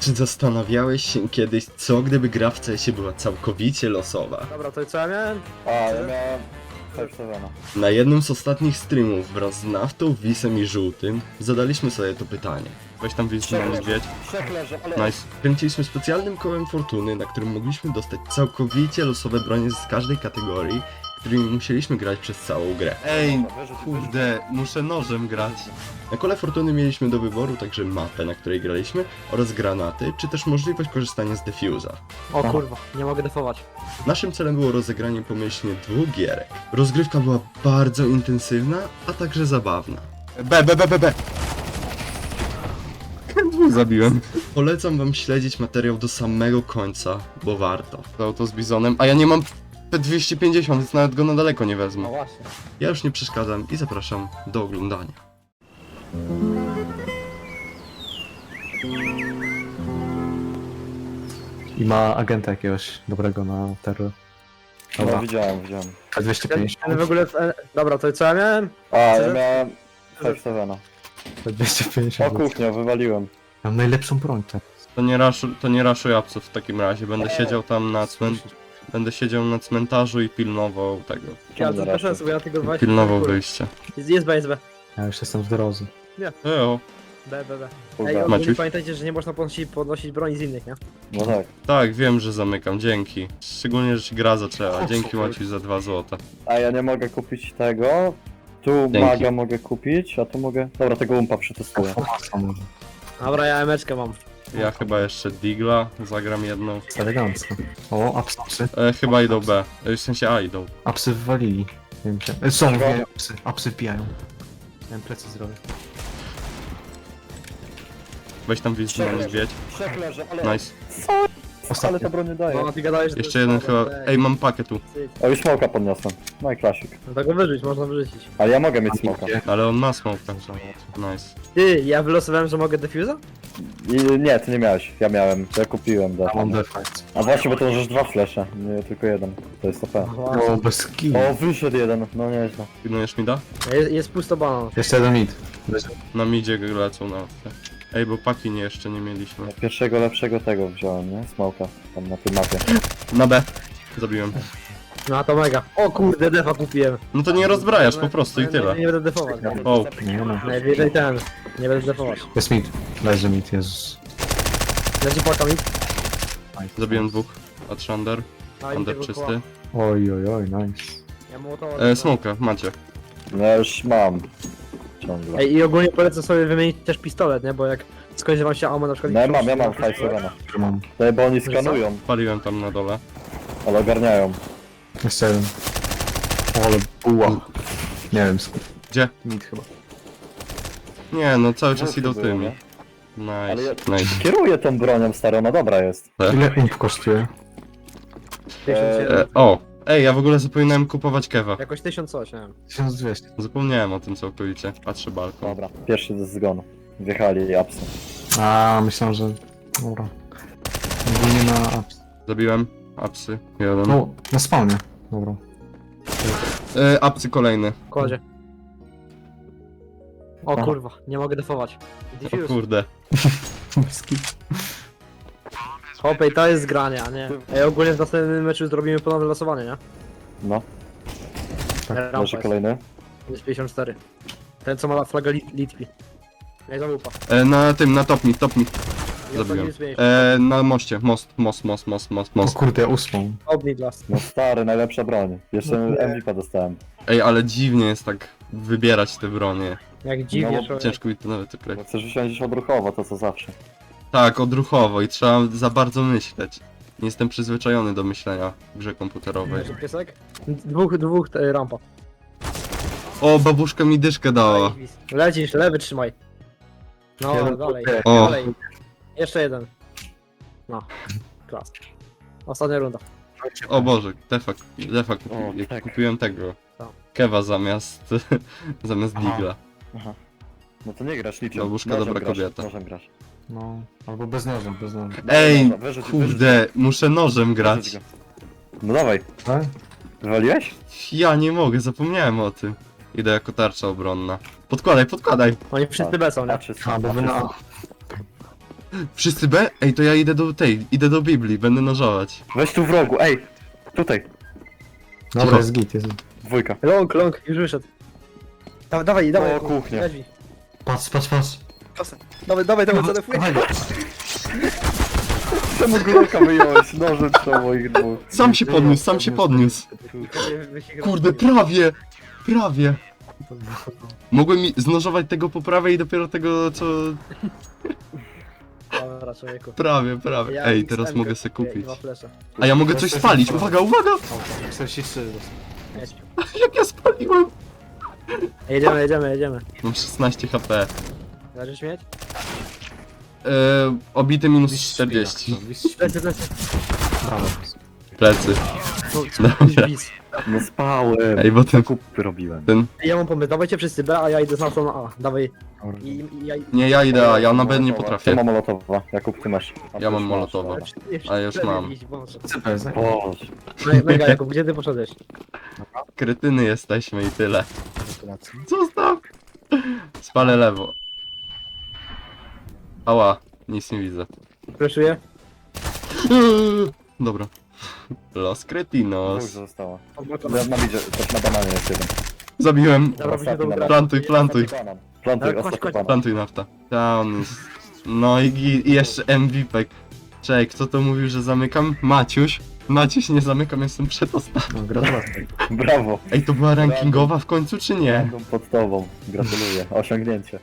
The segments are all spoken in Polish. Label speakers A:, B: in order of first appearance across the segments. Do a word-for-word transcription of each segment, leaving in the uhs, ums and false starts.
A: Czy zastanawiałeś się kiedyś, co gdyby gra w C S ie była całkowicie losowa?
B: Dobra, to co ja miałem?
C: A, ja miałem Five Sevena.
A: Na jednym z ostatnich streamów wraz z Naftą, Wisem i Żółtym zadaliśmy sobie to pytanie. Weź tam Wis na niedźwiedź.
C: Trzech leży, ale...
A: Nice. Kręciliśmy specjalnym kołem fortuny, na którym mogliśmy dostać całkowicie losowe bronie z każdej kategorii, którymi musieliśmy grać przez całą grę. Ej, kurde, muszę nożem grać. Na kole fortuny mieliśmy do wyboru także mapę, na której graliśmy, oraz granaty, czy też możliwość korzystania z defuza.
B: O kurwa, nie mogę defować.
A: Naszym celem było rozegranie pomyślnie dwóch gierek. Rozgrywka była bardzo intensywna, a także zabawna. B, B, B, B, B! Dwóch zabiłem. Polecam wam śledzić materiał do samego końca, bo warto. To auto z bizonem, a ja nie mam P dwieście pięćdziesiąt, więc nawet go na daleko nie
B: No
A: wezmę.
B: właśnie.
A: Ja już nie przeszkadzam i zapraszam do oglądania.
D: I ma agenta jakiegoś dobrego na terror.
C: No
D: Dobra,
C: widziałem, widziałem.
D: dwieście
B: Ale
D: pięćdziesiąt,
B: w ogóle... e, Dobra, to co ja miałem?
C: A, ja
B: Co?
C: miałem Five Sevena.
D: dwieście
C: O
D: pięćdziesiąt.
C: kuchnia, wywaliłem.
D: Mam najlepszą broń teraz.
A: To nie raszu, to nie raszuj apsów w takim razie, będę siedział tam na cmentarzu. Będę siedział na cmentarzu i pilnował tego.
B: Ja to proszę sobie, ja tego właśnie...
A: Pilnował wyjścia.
B: Jest, jest B, jest B.
D: Ja już jestem w drodze.
A: Eo.
B: B, B, B. Ej,
C: Kurwa.
B: ogólnie
A: Maciuś?
B: pamiętajcie, że nie można podnosić, podnosić broni z innych, nie?
C: No tak.
A: Tak, wiem, że zamykam, dzięki. Szczególnie, że ci gra zaczęła. Dzięki Maciuś za dwa złota.
C: A ja nie mogę kupić tego. Tu
A: Dzięki.
C: maga mogę kupić, a tu mogę... Dobra, tego umpa przetestuję.
D: Fomasa może.
B: Dobra, ja emeczkę mam.
A: Ja chyba jeszcze Digla zagram jedną.
D: Jest elegancko. O, apsy.
A: E, chyba idą B. E, w sensie A idą.
D: Apsy wywalili. Nie wiem, czy... E, Są,
C: Czego?
D: wbijają apsy. Apsy wbijają. Miałem plecy zrobię.
A: Weź tam Wis na niedźwiedź.
C: Trzech leży, ale...
A: Nice.
C: Co? Ale
D: Ostatnio.
C: to broń nie daje.
B: No, ty gadałeś, że to
A: Jeszcze
B: jest
A: jeden
B: słabe,
A: chyba.
B: ej.
A: Ej, mam pakiet tu.
C: O, i smoka podniosłem. No i klasik.
B: No to go wyrzuć, można wyrzucić.
C: Ale ja mogę mieć smoka.
A: Ale on ma smoke, także. Nice.
B: Ty, ja wylosowałem, że mogę defuza?
C: I nie, ty nie miałeś. Ja miałem. To ja kupiłem.
D: Ja
C: Da.
D: mam defense.
C: A właśnie, bo to możesz dwa flesze, nie tylko jeden. To jest O P.
D: O, bez kill.
C: O, wyszedł jeden. No nieźle.
A: Pilnujesz mi da?
B: Jest, jest pusto banan.
D: Jeszcze jeden mid. Leży.
A: Na midzie lecą na. Ej, bo paki nie jeszcze nie mieliśmy.
C: Ja pierwszego lepszego tego wziąłem, nie? Smoka. Tam na tej mapie.
A: Na B. Zabiłem.
B: No to mega. O kurde, defa kupiłem.
A: No to nie rozbrajasz po prostu i tyle.
B: Nie będę defować.
A: O,
D: Nie no.
B: Najwyżej ten. Nie będę defować.
D: Jest mid. Leży mid, Jezus.
B: Leci płaka mi.
A: zabiłem dwóch. Od Shander.
B: A, i
A: Shander
B: tego
A: czysty.
B: koła.
D: Oj, oj, oj, nice.
B: Ja mołotowa.
A: E, smoka, macie.
C: No ja już mam. Ciągle.
B: Ej, i ogólnie polecę sobie wymienić też pistolet, nie? Bo jak skończy wam się ammo na przykład...
C: No ja mam, ja mam Five Sevena.
D: Mam.
C: Tutaj, bo oni skanują,
A: Paliłem tam na dole.
C: ale ogarniają.
D: Jeszcze jeden. O, ale buła. Nie wiem, skąd.
A: Gdzie?
D: Mid chyba.
A: Nie, no cały czas
C: Dwóch
A: idą
C: było,
A: tymi.
C: nie? Ale
A: Nice,
C: ja-
A: nice.
C: Kieruję tą bronią starą, no dobra jest.
D: Ile ump kosztuje?
B: tysiąc jeden.
A: E, o! Ej, ja w ogóle zapominałem kupować kewa.
B: Jakoś tysiąc coś, nie wiem.
D: tysiąc dwieście.
A: Zapomniałem o tym całkowicie. Patrzę balkon.
C: Dobra, pierwszy ze zgonu. Wjechali apsy.
D: A, myślałem, że... Dobra. Ogólnie na apsy.
A: Zabiłem. Apsy. Jeden.
D: No, na spawnie. Dobra.
A: E, apsy kolejny.
B: Kładzie. O
D: Aha.
B: kurwa, nie mogę defować.
A: O
B: Diffuse.
A: kurde.
B: Hopej, to jest granie, a nie. Ej, ogólnie w następnym meczu zrobimy ponowne losowanie, nie?
C: No,
B: Rampa
C: leży
B: jest.
C: kolejny.
B: Jest pięćdziesiąt cztery. Ten co ma flagę Lit Litwi. Ej, załupa.
A: E, na tym, na top mi, top mi. Zabiłem.
B: Jest
A: E, na moście. Most, most, most, most, most,
D: O
A: most.
D: kurde, ósmą.
B: Obni glass.
C: No stary, najlepsza broń. Jeszcze
B: No
C: M V P dostałem.
A: Ej, ale dziwnie jest tak wybierać te bronie.
B: Jak dziwnie,
C: No,
B: człowiek.
A: Ciężko mi to nawet określić.
C: Bo chcesz usiąść odruchowo, to co zawsze.
A: Tak, odruchowo i trzeba za bardzo myśleć. Nie jestem przyzwyczajony do myślenia w grze komputerowej.
B: Leży piesek? Dwóch, dwóch e, rampa.
A: O, babuszka mi dyszkę dała.
B: Lecisz, lewy trzymaj. No,
D: Jeden
B: dalej,
D: kurde.
A: O.
B: dalej. Jeszcze jeden. No, klas. Ostatnia runda.
A: O Boże, defa, defa kupi,
C: O,
A: jak
C: tak.
A: kupiłem tego.
B: Co?
A: Kewa zamiast, zamiast
D: Aha.
A: Digla.
C: Aha. No to nie grasz niczym.
A: Babuszka,
C: Nożem
A: dobra
C: grasz,
A: kobieta.
C: Nożem grasz.
D: No, albo bez noża, bez noża.
A: Ej,
C: Dobra, wyrzuć,
A: kurde, muszę nożem
C: wyrzuć
A: grać.
C: go. No dawaj,
D: Tak?
C: wywaliłeś?
A: Ja nie mogę, zapomniałem o tym. Idę jako tarcza obronna. Podkładaj, podkładaj.
B: Oni wszyscy B są, nie?
C: Patrzy,
D: A, bo wy na...
A: Wszyscy B? Ej, to ja idę do tej, idę do Biblii, będę nożować.
C: Weź tu w rogu, ej! Tutaj,
D: Dobra,
A: Cicho.
D: jest git, jest.
C: dwójka.
B: Long, long, już wyszedł. Dawaj, dawaj, dawaj.
C: O, kuchnia.
B: Weź.
D: Patrz, patrz, patrz.
B: Kasę. Dawaj, dawaj, dawaj, zadefuj.
D: Dawaj.
C: Czemu Glocka wyjąłeś? Noże trzeba moich dwóch.
A: Sam się podniósł, sam się podniósł. Kurde, prawie, prawie. Mogłem mi znożować tego po prawej i dopiero tego, co...
B: Dobra, człowieku.
A: Prawie, prawie.
B: Ja
A: Ej,
B: X
A: teraz
B: M
A: mogę
B: go
A: se
B: kupię i
A: kupić.
B: dwa flesze.
A: A ja mogę coś spalić, uwaga, uwaga!
D: czterdzieści trzy.
B: Jedź.
A: Jak ja spaliłem!
B: Jedziemy, jedziemy, jedziemy.
A: Mam szesnaście H P.
B: Zaczniesz śmieć?
A: Eee, obity minus czterdzieści.
B: Lecę, lecę.
D: Brawo.
A: Plecy.
B: No,
A: Dobra.
B: bis.
C: No spałem.
A: Ej, bo ten...
C: Zakupy robiłem.
A: ten...
B: Ja mam pomysł, dawajcie wszyscy B, a ja idę z naszą na A. Dawaj. I, i, ja...
A: Nie, ja idę, a ja na B nie
C: To
A: potrafię.
C: ma molotowa. Jakub, ty masz. A ty
A: Ja mam
C: już masz,
A: molotowa.
C: dobra.
A: A już mam.
D: C P, tak?
C: Boże.
B: Me- Mega, Jakub, gdzie ty poszedłeś?
A: Kretyny jesteśmy i tyle. Zostaw! Spalę lewo. Ała, nic nie widzę.
B: Fleszuję?
A: Dobra. Los
C: Dwóch
A: Kretinos.
C: została.
B: Odblokowane.
C: Ja na widzie, też na bananie jest jeden.
A: Zabiłem.
B: Dobra, byśmy to
C: Ostatni
B: ugrali.
A: Plantuj, plantuj.
C: Banan. Plantuj,
B: Ale kładź,
C: ostatni
B: kładź.
C: banan.
A: Plantuj nafta. Tam jest. No i, gi- i jeszcze M V P. Czekaj, kto to mówił, że zamykam? Maciuś. Maciuś, nie zamykam, jestem przedostatni.
D: No, gratulacje.
C: Brawo.
A: Ej, to była rankingowa w końcu, czy nie?
C: Będą pod tobą. Gratuluję. Osiągnięcie.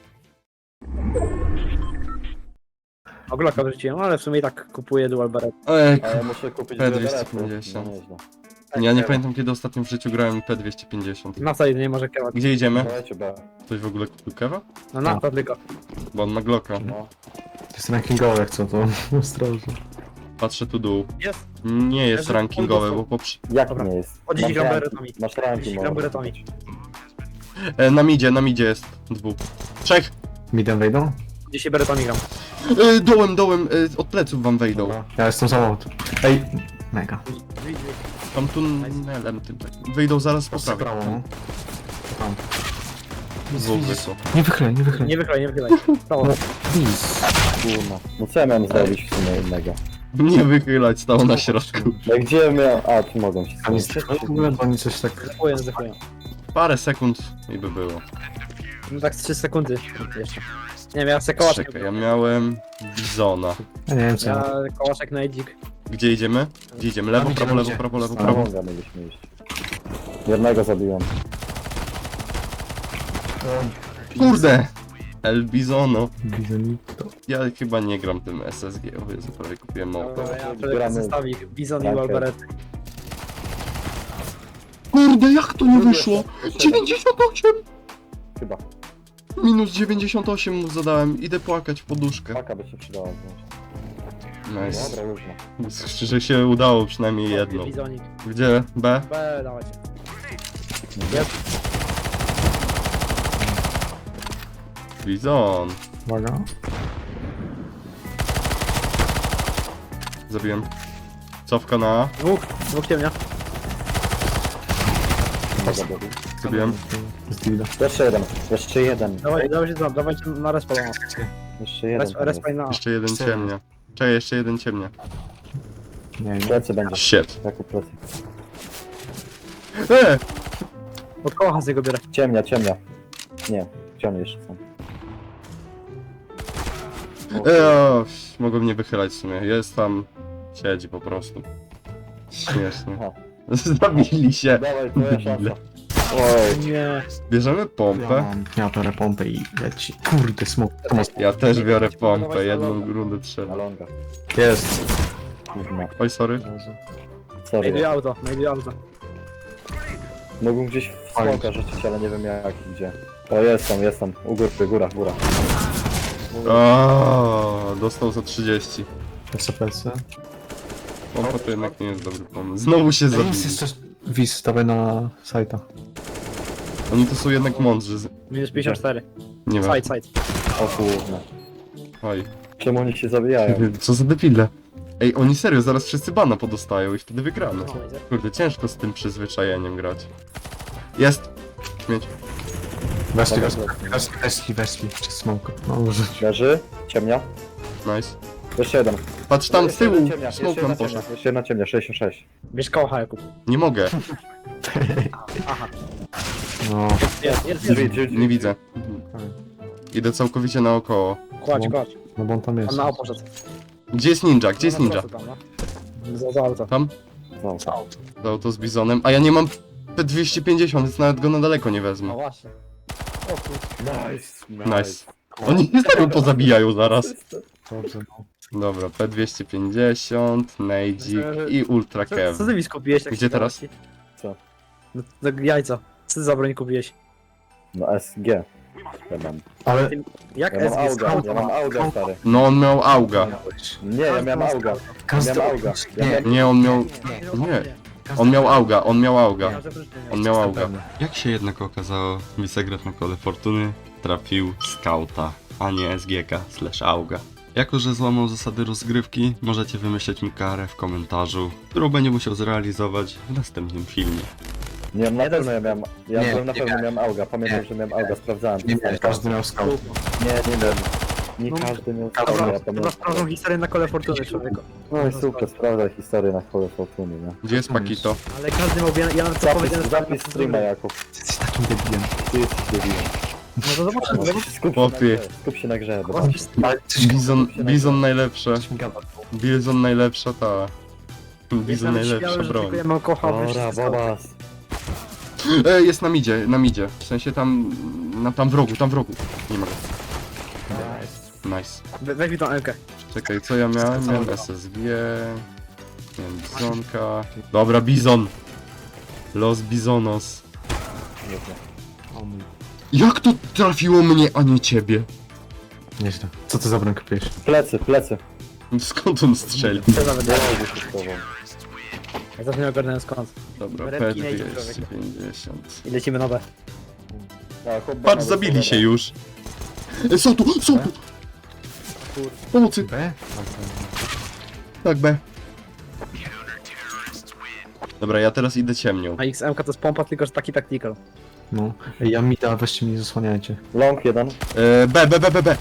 B: O, Glocka wrzuciłem, ale w sumie i tak kupuję dual beret.
A: Ej,
C: A ja muszę kupić
A: P
C: dwie
A: dwieście
C: berety.
A: pięćdziesiąt.
C: No nieźle.
A: ja nie pamiętam kiedy ostatnio w życiu grałem P dwieście pięćdziesiąt.
B: Nafta jedynie nie może kierować.
A: Gdzie idziemy?
C: Dawajcie B.
A: Ktoś w ogóle kupił kewa?
B: No nafta tylko.
A: Bo on ma Glocka.
C: No.
D: To jest rankingowe, jak co to? Ostrożnie.
A: Patrzę tu dół.
B: Jest.
A: Nie jest
B: Leży
A: rankingowe,
B: pod
A: bo poprze...
C: Jak
B: Dobra.
C: nie jest?
B: O dziesięć
C: Masz
B: gram
C: ranki-
B: beretami.
C: Masz ranki,
B: dziesięć gram
C: może.
B: beretami.
A: E, na midzie, na midzie jest. Dwóch. Trzech!
D: Midem wejdą?
B: dziesięć beretami gram.
A: E, dołem, dołem, e, od pleców wam wejdą.
D: Dobra. Ja jestem samochód. Ej, mega.
A: Tam tunelem tym takim. Wyjdą zaraz po
D: Proszę
A: prawej.
D: prawo, no. Tam.
A: Dwóch wyszło.
D: Nie wychylaj, nie wychylaj.
B: Nie wychylaj, nie wychylaj. Prawo.
D: Please.
C: Kurna. No co ja miałem zrobić w sumie innego?
A: Nie wychylać, stało na środku.
C: No gdzie miałem... A, tu mogą się
D: A nie
C: skończyć.
D: w ogóle, bo oni coś tak...
B: Zdefuję, zdefuję.
A: Parę sekund i by było.
B: No tak z trzy sekundy jeszcze. Nie wiem, ja chcę kołaszek.
A: Czekaj, ja miałem Bizona.
D: Ja nie wiem co.
B: Ja kołaszek na edzik.
A: Gdzie idziemy? Gdzie idziemy? Lewo,
D: Tam
A: prawo,
D: idziemy,
A: lewo,
D: gdzie?
A: prawo, lewo,
C: Na
A: prawo.
C: longa mieliśmy iść. Jednego zabiłem.
A: Kurde! El Bizono.
D: Bizonito.
A: Ja chyba nie gram tym S S G, o Jezu, prawie kupiłem mało.
B: Dobra, ja
C: Gramy.
B: przede zestawik. Bizon i
C: Okej.
B: Walberet.
A: Kurde, jak to nie wyszło? dziewięćdziesiąt osiem!
C: Chyba.
A: Minus dziewięćdziesiąt osiem mu zadałem, idę płakać w poduszkę.
C: Paka by się przydała.
A: Nice.
C: Dobra, już no.
A: Że się udało przynajmniej jedno.
B: Bizonik.
A: Gdzie? B?
B: B, dawajcie. Jest.
A: Bizon.
D: Uwaga.
A: Zabiłem. Cofka na A.
B: Dwóch. Dwóch ciemnia.
C: Dobra, dobra.
A: Zabiłem.
D: Z dilda.
C: Jeszcze jeden. Jeszcze jeden.
B: Dawaj, dawajcie tam, dawajcie na respa.
C: Jeszcze jeden.
B: Res- Respa i na A.
A: Jeszcze jeden
D: Cztery.
A: ciemnia. Czekaj, jeszcze jeden ciemnia.
D: Nie, nie.
C: Plecy będzie.
A: Shit.
C: Jakub plecy.
A: E!
B: Od koła z niego biorę.
C: Ciemnia, ciemnia. Nie. Gdzie oni jeszcze są?
A: E, mogłem nie wychylać w sumie. Jest tam. Siedzi po prostu. Śmiesznie.
C: Aha.
A: Zabili się.
C: Dawaj, twoja szansa. Oj.
B: Nie.
A: Bierzemy
D: Ja
A: pompę.
D: mam, ja biorę pompę i leci. Kurde, smok. Tomas.
A: Ja też biorę pompę, jedną rundę
C: Na
A: trzeba.
C: longa.
D: Jest.
C: Kurna.
A: Oj, sorry.
C: Sorry.
B: Znajduję auto, znajduję auto.
C: Mógłbym gdzieś w smoka rzucić, ale nie wiem jak i gdzie. O, jest tam, jest tam. U góry, góra, góra.
A: O, dostał za trzydzieści.
D: S P C.
A: Pompa to jednak nie jest dobry pomysł. Znowu się
D: Jest
A: zabili.
D: jeszcze... Wiz, dawaj na sajta.
A: Oni to są jednak mądrzy. z-
B: Minus pięćdziesiąt cztery.
A: Nie wiem.
B: Side, side.
C: O kurna.
A: Oj.
C: Czemu oni się zabijają?
A: Co za debile. Ej, oni serio, zaraz wszyscy bana podostają i wtedy wygramy.
B: No, idzie.
A: Kurde, ciężko z tym przyzwyczajeniem grać. Jest! Śmieć.
D: Weszli,
C: Dobra,
D: weszli, weszli, weszli, weszli. Czy smok? No może.
C: Leży? Ciemnia?
A: Nice.
C: Jeszcze jeden.
A: Patrz tam z
C: Jeszcze
A: tyłu,
C: jeden ciemniak,
A: smoke
C: jeszcze
A: nam
C: jedna
A: poszedł.
C: ciemnia, Jeszcze jedna ciemnia, sześćdziesiąt sześć.
B: Bierz kocha, Jakub.
A: Nie mogę,
D: No,
B: Jest, jest,
C: Drzwi,
B: jest.
C: drzwi, drzwi.
A: nie widzę. Idę całkowicie naokoło.
B: Kładź, kładź.
D: no bo on tam jest.
B: On na O poszedł.
A: Gdzie jest ninja? Gdzie jest
B: Na
A: ninja?
B: prosto tam, no. Za, za auto.
A: Tam?
C: No,
A: To auto z bizonem. A ja nie mam P dwieście pięćdziesiąt, więc nawet go na daleko nie
B: No
A: wezmę.
B: właśnie. O kurde.
C: nice.
A: Nice. Oni nie serio pozabijają zaraz.
D: Dobrze, no.
A: Dobra, P dwieście pięćdziesiąt, Nejdzik i Ultra
B: Co,
A: Kev.
B: co ty mi skupiłeś? tak
A: Gdzie
B: się
A: teraz?
B: dało ci?
C: Co?
B: No, to jajco. Co ty za broń kupiłeś?
C: No S G. Ja mam.
D: Ale...
B: Jak
C: Ja mam
B: S G
C: auga,
B: skąd?
C: ja mam auga, stary.
A: No on miał auga.
C: Nie, ja miałem auga.
D: Każdy...
C: miałem auga. Ja
D: Nie,
C: miałem...
A: Nie, on miał... Nie. On miał auga, on miał auga.
B: Ja, że wróć nie
A: On
B: miał.
A: miał auga. Jak się jednak okazało, Wisegrat na kole fortuny trafił skauta, a nie S G K slash auga. Jako, że złamał zasady rozgrywki, możecie wymyśleć mi karę w komentarzu, którą będzie musiał zrealizować w następnym filmie.
C: Nie, na pewno ja miałem... Ja
D: Nie,
C: byłem na
D: nie
C: pewno
D: miałem.
C: miałem auga. Pamiętam, że miałem auga, sprawdzałem.
D: Nie, nie, każdy miał scout.
C: Nie, nie wiem. Nie
B: No,
C: każdy miał
B: Dobra,
C: auga, ja
B: dobra,
C: pamiętam.
B: sprawdzą historię na kole fortuny, człowieku.
C: No i super, sprawdzaj historię na kole fortuny, nie?
A: Gdzie jest Pakito?
B: Ale każdy miał... Ja, ja nawet co
C: Zapis,
B: powiedziałem...
C: zapis streama, Jakub.
D: Ty jesteś takim debilem.
C: Ty jesteś debilem.
B: No to zobaczymy, zobaczymy.
C: Skup się na
A: Chłopie.
C: grze, skup się na grze, bo...
B: Zobaczysz.
D: Ale coś
A: Bizon, Bizon najlepsze.
D: Coś mi gada.
A: Bizon najlepsza ta... Bizon
B: Jestem
A: najlepsza
B: śmiały, że
A: broń.
B: tylko ja mam kocha,
C: Dobra, Bobas.
A: E, jest na midzie, na midzie. W sensie tam... Na, tam w rogu, tam w rogu. Nie ma go. Nice.
B: We, weź mi tą Elkę.
A: Czekaj, co ja miałem? Miałem S S G... Miałem Bizonka... Dobra, Bizon! Los Bizonos.
D: O mój.
A: Jak to trafiło mnie, a nie ciebie?
D: Nieźle. Co ty za broń kupiłeś?
C: Plecy, plecy.
A: Skąd on strzelił?
B: Co nawet
C: Ja
B: daje?
C: się z tobą.
B: Ja też nie ogarnąłem skąd.
A: Dobra, P
B: Ręki nie idzie,
A: dwieście pięćdziesiąt.
B: I lecimy na B.
C: Tak, chłop
A: Patrz,
C: banana
A: zabili
C: do
A: się
C: tego.
A: już. E, Są tu, są tu! Pomocy!
D: B?
A: Tak, B. Dobra, ja teraz idę ciemnią.
B: A X M K to jest pompa, tylko że taki tactical.
D: No. Ej, ja mi da, weźcie mnie, nie zasłaniajcie.
C: Long jeden.
A: E, B, B, B, B, B.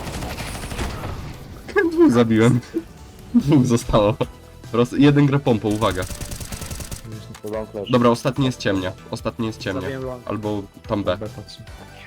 A: Dwóch zabiłem. Dwóch zostało. Roz... Jeden gra pompą, uwaga.
C: To long leży.
A: Dobra, ostatni jest ciemnia. Ostatni jest ciemnia.
B: Zabiłem long.
A: Albo tam B.
D: B patrzy.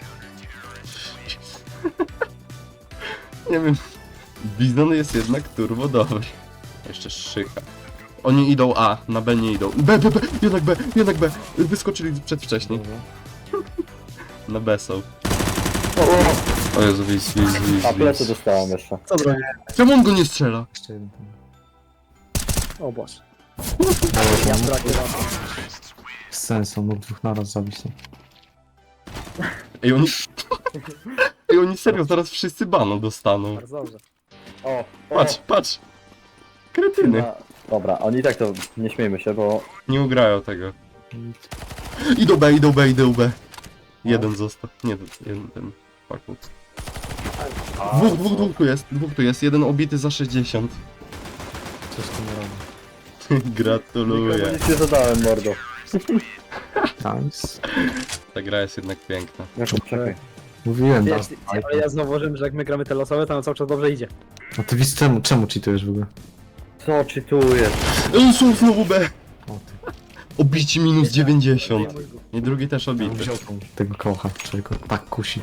A: Nie wiem. Bizon jest jednak turbo dobry. Jeszcze szycha. Oni idą A, na B nie idą. B, B, B, jednak B, jednak B. Wyskoczyli przedwcześnie. Na B są. O Jezu, wis, wis, wis,
C: A plecy
A: wis.
C: dostałem jeszcze.
B: Co broń?
A: Czemu on go nie strzela?
D: Jeszcze jeden tam.
B: O Boże.
D: Ja
B: Ja w trakcie
D: Z sensem, mógł dwóch naraz zabić. No.
A: Ej, oni... Ej, oni serio, zaraz wszyscy bano dostaną.
B: Bardzo dobrze.
C: O, o.
A: Patrz, patrz. Kretyny.
C: Na... Dobra, oni tak to nie śmiejmy się, bo...
A: Nie ugrają tego. Idą B, idą B, idą B. Jeden został. Nie, jeden ten. Fuck. Dwóch, dwóch, dwóch tu jest, dwóch tu jest. Jeden obity za sześćdziesiąt.
D: Coś tu nie robi.
C: Nikomu
A: Gratuluję.
C: nic nie zadałem, mordo.
D: Nice.
A: Ta gra jest jednak piękna.
C: Jakub, czekaj.
D: Mówiłem, da.
B: Wiesz, ale ja zauważyłem, że jak my gramy te losowe, to nam cały czas dobrze idzie.
D: A ty wiesz czemu, czemu cheatujesz w ogóle?
C: Co czytujesz?
A: Ej, są znowu B.
D: O ty.
A: Obici minus dziewięćdziesiąt. I drugi też
D: Ja
A: obity.
D: wziął tą, tego kocha, czego tak kusi.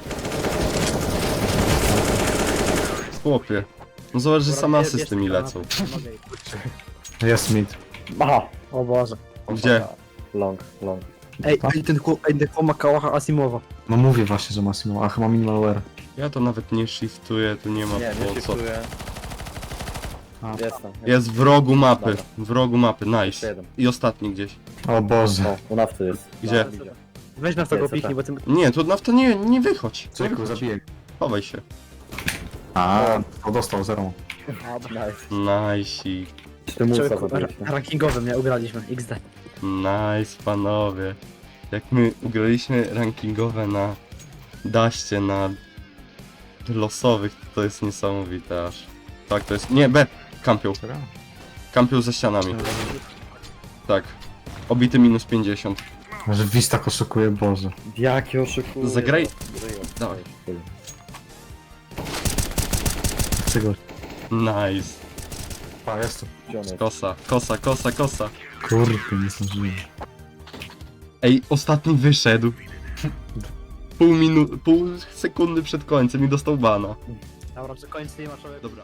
A: Chłopie. No zobacz, że same
B: Wiesz,
A: asysty mi lecą.
D: Jest mid.
C: Aha!
B: O Boże.
A: Gdzie?
C: Long, long.
B: Ej, ej, ten chłop, ej, ten chłop ma kałacha Asimowa.
D: No mówię właśnie, że Massimo, a chyba minimal wear.
A: Ja to nawet nie shiftuję, tu nie ma
C: Nie, nie
A: po co.
C: czytuję.
D: A,
C: Jestem.
A: Jest w rogu mapy.
C: Dobra.
A: W rogu mapy,
C: Jeszcze
A: nice.
C: jeden.
A: I ostatni gdzieś.
D: o Boże.
C: O, u nawcy jest.
A: Gdzie?
C: No, idzie.
B: Weź nas tego
C: Jest,
B: piknij, bo ty...
A: Nie, tu na to nie, nie wychodź. Nie
D: Czekaj,
A: wychodź.
D: zabiję.
A: Chowaj się.
D: A, to dostał zero.
C: Nice.
A: Nice.
C: Ty musa
B: Człowieku, ra-
C: zrobiliśmy.
B: rankingowym nie ugraliśmy, X D.
A: Nice, panowie. Jak my ugraliśmy rankingowe na daście, na losowych, to, to jest niesamowite aż. Tak, to jest... Nie, B! Kampią. Kampią za ścianami. Tak. Obity minus pięćdziesiąt.
D: Że Wiz tak oszukuje, Boże.
C: Jaki oszukuje.
A: Zagraj- Dawaj.
D: Czego?
A: Nice.
D: A, jest tu.
C: Gdzie on jest?
A: Kosa, kosa, kosa, kosa.
D: Kurde, nie zdążyłem.
A: Ej, ostatni wyszedł. Pół minuty, pół sekundy przed końcem i dostał bana.
B: Dobra, przy końcu nie ma człowieka.
A: Dobra.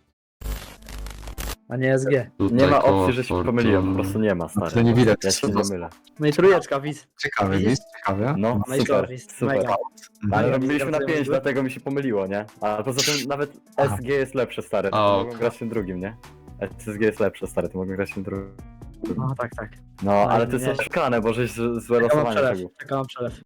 B: A nie S G.
A: Tutaj
C: Nie ma
A: koło
C: opcji, że się
A: Fortuny.
C: pomyliłem, po prostu nie ma,
D: To
C: stary.
D: nie widać.
C: Ja się nie mylę.
B: No i trójeczka, widz.
D: Ciekawe,
B: Widzisz?
D: jest ciekawe.
C: No,
B: No i
C: super,
B: to jest
C: super.
B: mega.
C: Ale
B: Ja
C: robiliśmy na
B: widzę,
C: pięć,
B: że-
C: dlatego mi się pomyliło, nie? A poza tym nawet
D: Aha.
C: S G jest lepsze, stary.
A: A,
C: To
A: ok.
C: mogą grać tym drugim, nie? S G jest lepsze, stary, to mogą grać tym drugim.
B: No tak, tak.
C: No, ale to
B: nie.
C: jest oszukane, bo żeś z- złe
B: Czekam na
C: losowanie
B: przelew.
C: tego.
B: Czekam na przelew.